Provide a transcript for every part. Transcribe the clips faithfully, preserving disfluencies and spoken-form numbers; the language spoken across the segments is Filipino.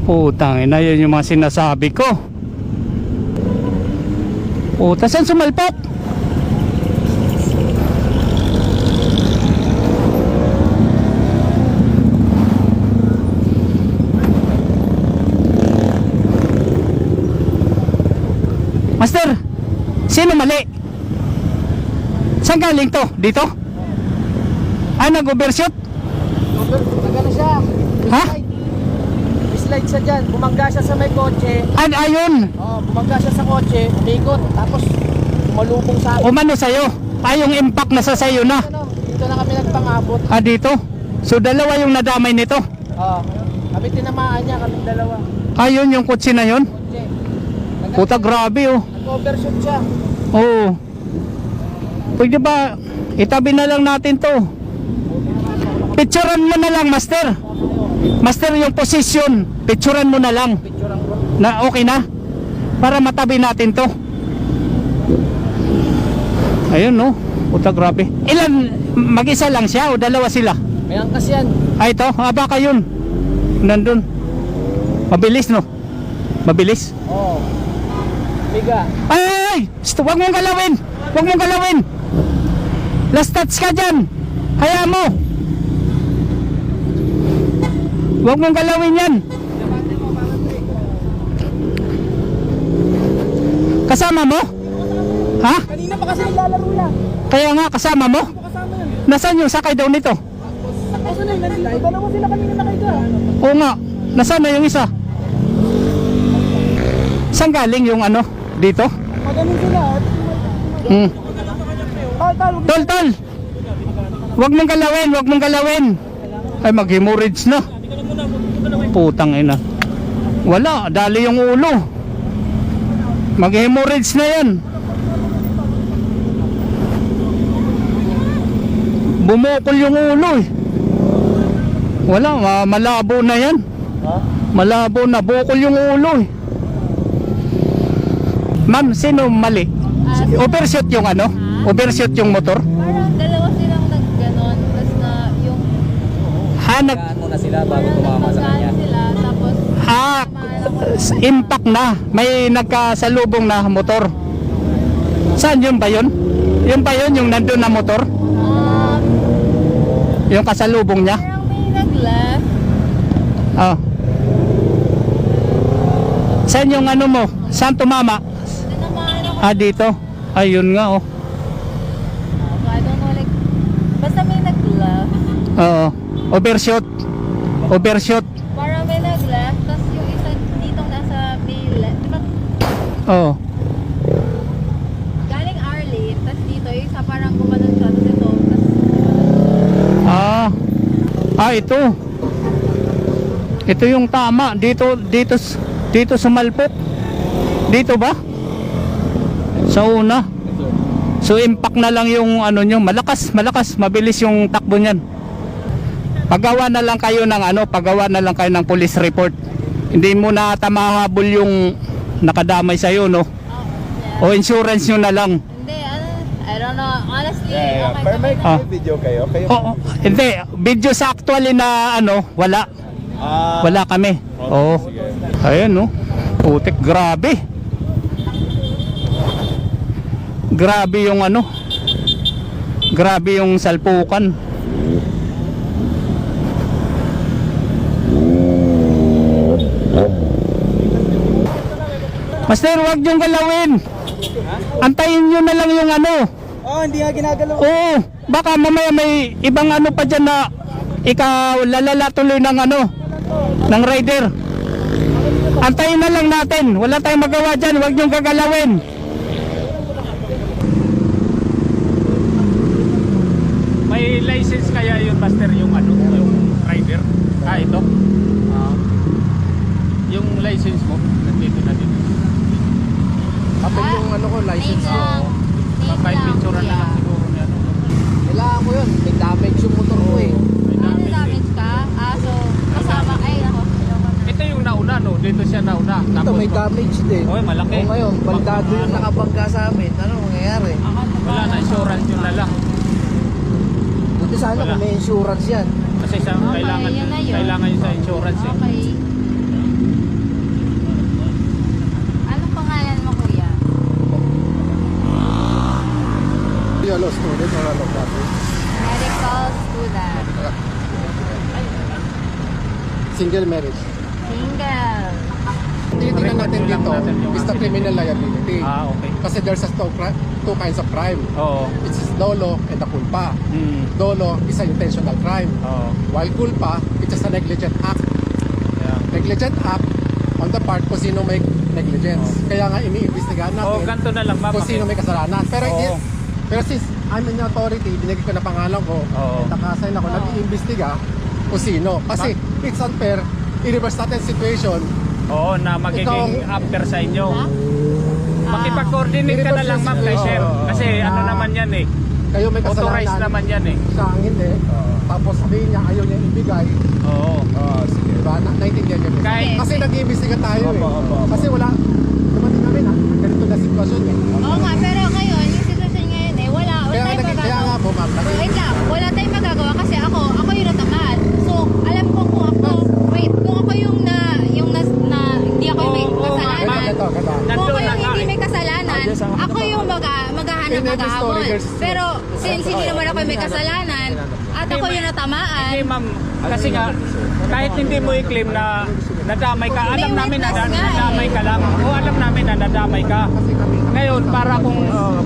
Putang ina, yun yung mga sinasabi ko. Puta, saan sumalpok? Master, sino mali? Saan galing to? Dito? Ah, nag-overshoot? Nagano siya? Ha? Slide siya dyan. Bumangga siya sa may kotse. Ay, ayun. Oh, bumangga siya sa kotse. Umikot. Tapos umalubong sa akin. Umano sa'yo. Ay, yung impact na sa sa'yo na. Ano, dito na kami nagpangabot. Ah, dito? So, dalawa yung nadamay nito? Oh, kami tinamaan niya. Kami dalawa. Ayun, yung kutsi na yun? Kotse. Puta, grabe oh. Nag-overshoot siya. Oo. Pwede ba, itabi na lang natin to. Picturean mo na lang, master. Master, yung position, picturean mo na lang. Picture ang bro. Na okay na? Para matabi natin to. Ayun no. Puta, grabe. Ilan, mag-isa lang siya o dalawa sila? May angkas yan. Ay, ito, ah, baka yun. Nandun. Mabilis no? Mabilis. Oh. Biga. Ay, ay, ay! Sto, wag mong galawin! Wag mong galawin! Last touch ka dyan! Hayaan mo! Wag mong galawin yan! Kasama mo? Ha? Kanina pa kasi naglalaro yan. Kaya nga, kasama mo? Kasama yan. Nasaan yung sakay daw nito? Kasi na yun. Dalawa sila kanina nakaiga. Oo nga, nasaan na yung isa? Saan galing yung ano? Dito? Magaling sila. Hmm. Tol, tol. Tol, tol! Wag mong galawin, wag mong galawin! Ay, mag-hemorrhage na. Putang ina. Wala, dali yung ulo. Mag-hemorrhage na yan. Bumukol yung ulo eh. Wala, ma- malabo na yan. Ha? Malabo na, bukol yung ulo eh. Ma'am, sino mali? Ah, Overshoot yung ano? Overshoot yung motor? parang dalawa silang nagganon, tapos na yung Hanag, Ano na sila bago parang tumama sa nagpagkaan kanya? sila, tapos ha, tumaan ako. impact na. May nagkasalubong na motor. Saan yun ba yun? Yun ba yun yung nandun na motor? Um, Yung kasalubong niya? parang may nag-left. Ah. Saan yung ano mo? Saan tumama? Tinamaan ako. Ah, dito. Ayun nga oh. I don't know, like, basta may nag-left. Oo. Overshoot. Overshoot. Parang may nag-left, tapos yung isa ditong nasa may left. Diba, Oo. galing Arlene, tapos dito, yung isa parang gumanon siya, tapos ito, tapos Ah. Ah, ito. Ito yung tama. Dito, dito, dito sumalpok. Dito ba? Sa una. So impact na lang yung ano nyo. Malakas, malakas. Mabilis yung takbo nyan. Paggawa na lang kayo ng ano, paggawa na lang kayo ng police report. Hindi mo na tamahabol yung nakadamay sa'yo, no? oh, yeah. O insurance nyo na lang. Hindi, ano, I don't know, honestly, Yeah, yeah. okay Pero may, kami na. Ah. may video kayo? Kayo? Oo, hindi. Video sa actually na ano, wala. Ah, Wala kami. okay, Oo. sige. Ayan, no? Putik, grabe. Grabe yung ano. Grabe yung salpukan. Master, wag yung galawin. Antayin nyo na lang yung ano. Oh, hindi nga ginagalaw. Oo, baka mamaya may ibang ano pa dyan na ikaw lalala tuloy ng ano, ng rider. Antayin na lang natin. Wala tayong magawa dyan. Huwag niyong gagalawin. May license kaya yun, Master, yung ano, yung rider? Ah, ito? Ah, yung license mo, nandito na dito. Kapag yung ano ko, license Name ko. lang. Name Kahit lang, picture na kuya. lang siguro niya. Ano. Kailangan ko yun. May damage yung motor ko eh. May Ano damage eh. damage ka? Ah, so, kasama, ay, ako. Ito yung nauna, no? Dito siya nauna. Ito may damage din. Oy, malaki. O ngayon, baldado yung nakabangga sa amin. Ano mangyayari? Wala na, insurance yun na lang. Buti sana Wala. kung may insurance yan. Kasi sa Okay, kailangan yun na yun. kailangan yun sa insurance eh. Okay. medical student or ano ba? Medical student. Single marriage. Single. Tinitingnan natin Record lang dito natin yung is the ano. criminal liability. Ah, okay. Kasi there's a two, cri- two kinds of crime. Oo. It's dolo and the culpa. Hmm. Dolo is a intentional crime. Oo. While culpa, it's just a negligent act. Yeah. Negligent act on the part kung sino may negligence. Kaya nga iniimbestigahan Oh, natin ganito na lang ma'am. kung sino may kasalanan. Pero, Oo. i- pero since I'm in authority, binigay ko na pangalan ko, Oo. nakasign ako, nag-iimbestiga kung sino. Kasi it's unfair, i-reverse natin situation. Oo, na magiging Ikaw- after sa inyo. Ha? Makipag-coordinate ka na lang ma'am kay Oo, sir. oo, oo. Kasi ano Ah, naman yan eh. Kayo may kasalanan. Authorized naman yan eh. Siya ang hindi. Tapos sabihin niya, ayaw niya ibigay. Oo. Oh, sige. Diba? Na, naintindihan niyo. Kahit- Kasi nag-iimbestiga tayo eh. Opo, opo, opo. Kasi wala, dumating kami na, ganito na sitwasyon eh. Oo nga, pero ngayon, yung sitwasyon ngayon eh, wala, wala Kaya, tayong nag- kaya nga magagawa. po ma'am, Wait nag- lang, wala tayong magagawa kasi ako, ako yung natamad. So, alam ko kung ako, wait, kung ako yung na, yung nas, na, hindi ako yung may Oo, oo, kasalanan. ma'am. Ito, ito. Kung Nandun ako na yung nga hindi eh. may kasalanan, ako yung mag, maghahanap In every maghahabol. story, there's- Pero, since hindi naman ako yung may kasalanan, at ako yung natamaan, Hindi ma'am, kasi nga, kahit hindi mo i-claim na nadamay ka, alam May namin na witness nga eh. nadamay ka lang. O alam namin na nadamay ka. Ngayon, para kung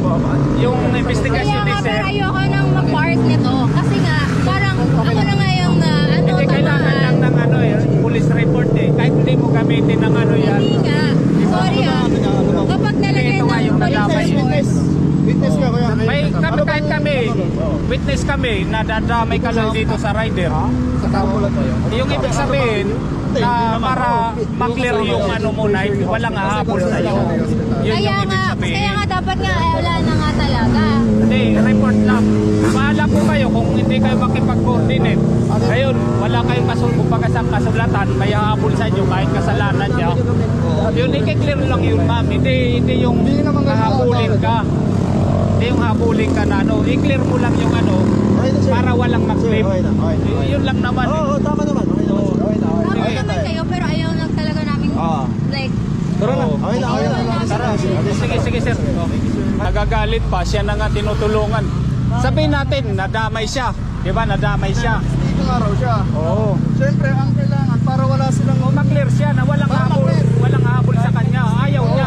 yung kaya investigation nga, ni sir, pero ayoko nang mag-part nito. Kasi nga, parang ako na nga yung na, ano, hindi kailangan lang tamaan. ng ano eh, police report eh. Kahit hindi mo gamitin ng ano yan. Hindi nga. Sorry ah. Kapag nalagay Ito nga yung ng police nadamay. report, Witness ka kuya. May kami, kahit kami, witness kami, nadadamay ka lang dito sa rider. Sa tao lang tayo. Yung ibig sabihin, na para maklear yung ano mo na walang hahabol sa'yo. Yun kaya yung ibig nga, sabihin. kaya nga dapat nga, eh, wala na nga talaga. Hindi, report lang. Bahala po kayo kung hindi kayo makipag-coordinate. Ngayon, wala kayong kasulong pagkasang kasulatan, may hahabol sa inyo kahit kasalanan niya. Yun, i-clear lang yun, ma'am. Hindi, hindi yung hahabulin ka. Hindi yung habulin ka na ano. I-clear mo lang yung ano, para walang mag-claim. Y- Yun lang naman. eh. Oo, tama naman. Okay naman. Okay na. Tama naman kayo, pero ayaw lang talaga namin, Ah. like, Tara na. Oo. Okay na, okay na. Tara, sige, sige, sir. Nagagalit pa, siya na nga tinutulungan. Sabihin natin, nadamay siya. Di ba, nadamay siya. Dito nga raw siya. Oo. Siyempre, ang kailangan para wala silang Kung maklear siya na walang habol, walang habol sa kanya, ayaw niya.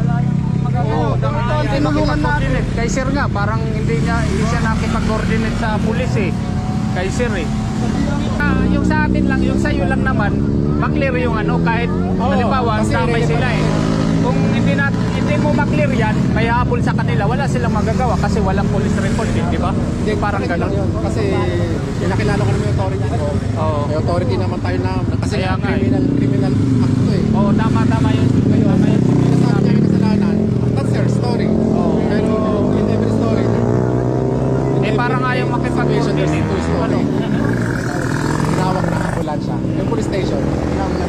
Oo, dapat tinulungan natin. Kay sir nga, parang hindi niya hindi siya nakipag-coordinate sa pulis eh. Kay sir eh. Ah, yung sa atin lang, yung sa'yo lang naman, maklear yung ano, kahit Oo, halimbawa, kasi damay irrelevant sila eh. Kung hindi na hindi mo maklear yan, may habol sa kanila, wala silang magagawa kasi walang police report eh, di ba? Hindi, Parang correct lang gano'n. yun. Kasi pinakilala ko naman yung authority ko. Oo. May authority naman tayo na, kasi Kaya nga, nga eh. criminal, criminal act to eh. Oo, tama, tama yun. Tama yun. Nasabi niya yung kasalanan, that's your story. Pero in every story, Eh, parang ayaw makipag-coordinate. there's two story. Ano? Ginawag na ambulansya. Yung police station, ginawag na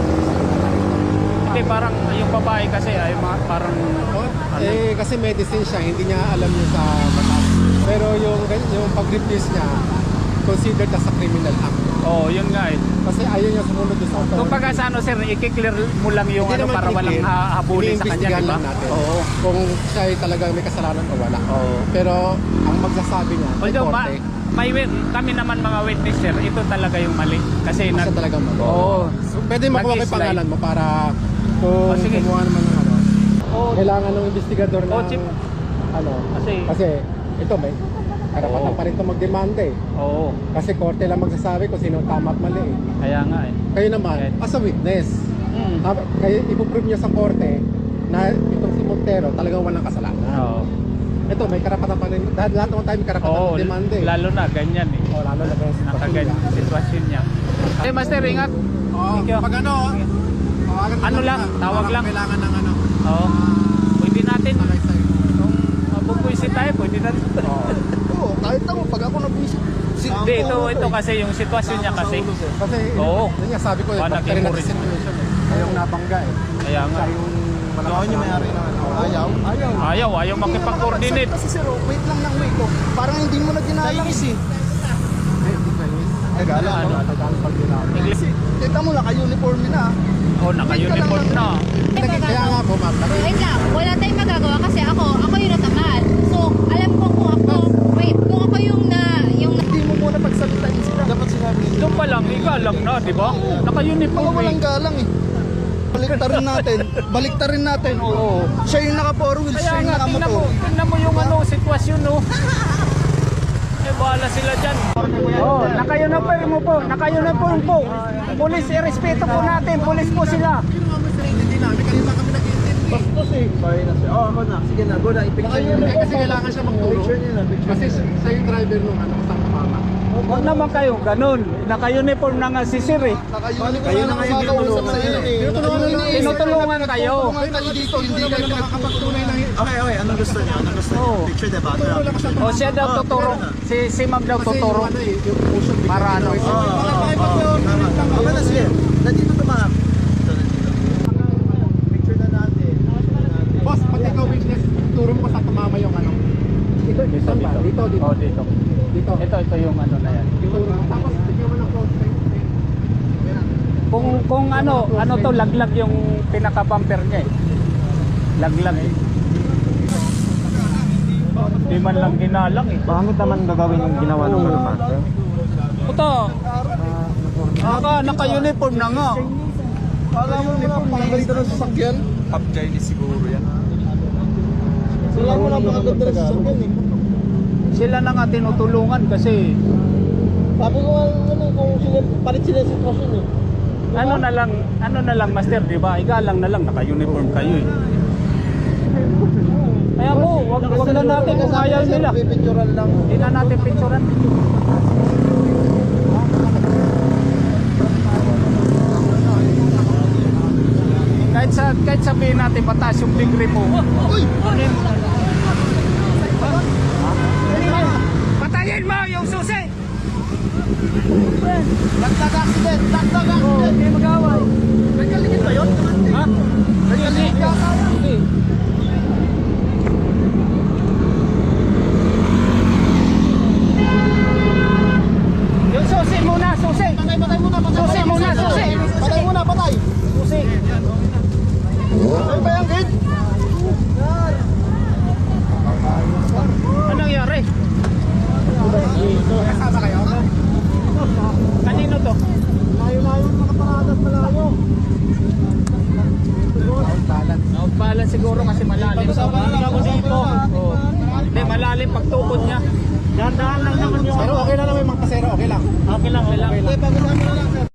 Hindi, parang yung babae kasi ay ma- parang Eh, kasi medicine siya, hindi niya alam niya sa batas. Pero yung, yung pag-refuse niya, considered as a criminal act. oh, yun nga eh. Kasi ayaw niya sumunod doon sa authority. Kung baga sa ano sir, i-clear mo lang yung Hindi ano naman para walang kinikil. ha- habulin sa kanya, Iniimbestigahan di ba? lang natin. Oo. Kung siya ay talagang may kasalanan o wala. Oo. Pero ang magsasabi niya, may Although ma- korte, may wit- kami naman mga witness sir, ito talaga yung mali. Kasi siya nag talagang mali. Oo. So, pwede makuha ko yung Nag-slide. pangalan mo para kung Oh, sige. kumuha naman ng ano. Oo. Kailangan ng investigador Oh, ng chip. ano. Kasi Kasi ito may karapatan Oo. pa rin ito magdemanda eh. oo. Kasi korte lang magsasabi kung sino tama at mali eh. Kaya nga eh. Kayo naman, Okay. as a witness, Mm. hab- kayo ipuprove niyo sa korte na itong si Montero talagang walang kasalanan. Oo. Ito, may karapatan pa rin. Dahil lahat naman tayo may karapatan Oo, magdemanda eh. lalo na ganyan eh. Oh, lalo na ganyan sa Nakaganyan sitwasyon. sitwasyon niya. Eh master, ingat. Oo, Thank you. pag ano, tawagan Ano lang, tawag lang. Kailangan ng ano. Oo. Pwede natin. Alay sa'yo. Kung mabubuisit tayo, pwede natin. Oo, kahit ako, pag ako nag-visit. Hindi, ito, ito kasi yung sitwasyon niya kasi. Kasi, Oo. yun nga sabi ko, eh, Ah, bakit rin nag-memory. natin situation eh. Kayong nabangga eh. Kaya nga. Siya yung malakas na may-ari na ano. Ayaw? Ayaw. Ayaw, ayaw makipag-coordinate. Kasi sir, oh, wait lang ng wait ko. Parang hindi mo na ginalang. Chinese eh. Hindi Chinese. Tagalog. Ano? Tagalog pag ginalang. English. Kita mo, naka-uniform na. Oh, naka-uniform na. Kaya nga po, ma'am. naka- wait lang, wala tayong magagawa kasi ako, ako yung natamad. So, alam ko kung ako, wait, galang, igalang na, di ba? Naka-uniform eh. Walang galang eh. Baliktarin natin. Baliktarin natin. Oo. Siya yung naka four wheels, Kaya siya yung nga, naka tingnan mo, motor. tingnan mo yung ano, sitwasyon, no? Eh, bahala sila dyan. Oh, naka-uniform mo po, naka-uniform po. Pulis, irespeto po natin, pulis po sila. Hindi namin, kanina kami nag-intindi. Bastos eh. Sorry na siya. Oh, ako na. Sige na, go na. I-picture niyo Eh, kasi kailangan siya magturo. Picture niyo na, picture Kasi siya yung driver nung ano, sa mama. Huwag naman kayo, ganun. Naka-uniform na nga si Sir eh. Kayo na ngayon tinutulungan sa inyo eh. Tinutulungan kayo. Tulungan kayo dito, hindi kayo nakakapagtunay na Okay, okay. Anong gusto niyo? Anong gusto niyo? Oo. Picture diba? Ito. O siya daw tuturo. Si, si Ma'am daw kasi yung tuturo. ano eh, yung motion. Para ano? Oo, oo, oo. Tama. Okay na, sige. Nandito ito mga. Ito, nandito. Picture na natin. Picture na natin. Boss, pag ikaw witness, turo mo sa tumama yung ano. Dito, dito, dito. Dito, dito. Oh, dito. Dito. Ito, ito yung ano na yan. Dito. Tapos, bigyan mo ng close time. Kung kung ano, ano to laglag yung pinaka-bumper niya eh. Laglag eh. Di man lang ginalang eh. Bakit naman gagawin yung ginawa ng mga master? Puto. Naka, naka-uniform na nga. Alam mo na, pangaganda ng sasakyan. Top Chinese siguro yan. Sila mo na pangaganda ng sasakyan eh. Sila na nga tinutulungan kasi Sabi ko ano kung sila, palit sila sa sitwasyon eh. ano na lang, ano na lang master, di ba? Igalang na lang, naka-uniform kayo eh. Kaya po, wag, wag na natin kung ayaw nila. Pipicturan lang. Hindi na natin picturean. Kahit sa kahit sabihin natin mataas yung degree mo. Uy! Patayin mo yung susi! Dagdag accident! Dagdag Oh, accident! hindi mag-away. Nagkaligid ba yun? Ha? Nagkaligid ka? Hindi. Yung susi muna, susi! Patay, patay muna, patay. Susi muna, susi! Patay muna, patay. Susi! Ay ba yung gate? Anong nangyari? Kasama kayo? Kanino to? Layo-layo yung nakaparada at malayo. Outbalance. Outbalance siguro kasi malalim. Pag-usapan lang ako dito. Oo. Hindi, malalim pag tukod niya. Dahan-dahan lang naman yung Pero okay lang naman yung mga kasero, okay lang. Okay lang, okay lang. Okay, pag-usapan na lang sir.